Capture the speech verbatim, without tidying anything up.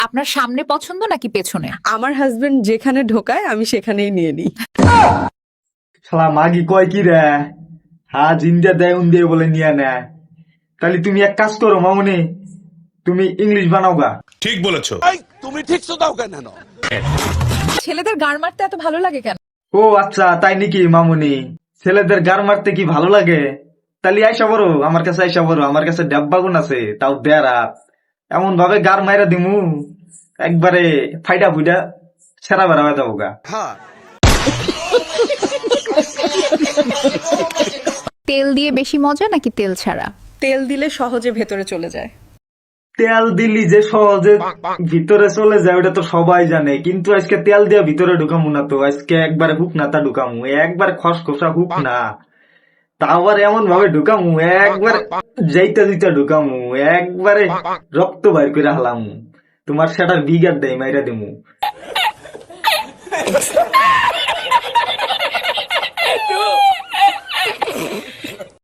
আপনার সামনে পছন্দ নাকি পেছনে? আমার হাজবেন্ড যেখানে ঢোকায় আমি সেখানেই নিয়ে নিই। শালা মাগি কয় কি রে, হ্যাঁ জিন্দা দেয় উন দিয়ে বলে নিয়ে নেয়। তাহলে তুমি এক কাজ করো মামুনি, তুমি ইংলিশ বানাও গা। ঠিক বলেছো। ছেলেদের গাড় মারতে এত ভালো লাগে কেন? ও আচ্ছা তাই নাকি মামুনি, ছেলেদের গার মারতে কি ভালো লাগে? তাহলে আইসা বড় আমার কাছে, আইসা বড় আমার কাছে ডাব্বাগুন আছে, তাও দেড়া এমন ভাবে গার মাইরা দিমু একবারে ফাইডা ফুইডা সেরা বেড়া হয়ে যাবো গা। তেল দিয়ে বেশি মজা নাকি তেল ছাড়া? তেল দিলে সহজে ভেতরে চলে যায়। তেল দিলি যে সহজে ভিতরে চলে যায় ওটা তো সবাই জানে, কিন্তু আজকে তেল দিয়ে ভিতরে ঢুকামু না তো, আজকে একবারে হুক না তা ঢুকামু, একবারে খসখসা হুক না, তা আবার এমন ভাবে ঢুকামু একবারে যাইতে দিতে ঢুকামু, একবারে রক্ত বাইর করে হালামু, তোমার সেটার বিঘার দেয় মাইরা দিমু।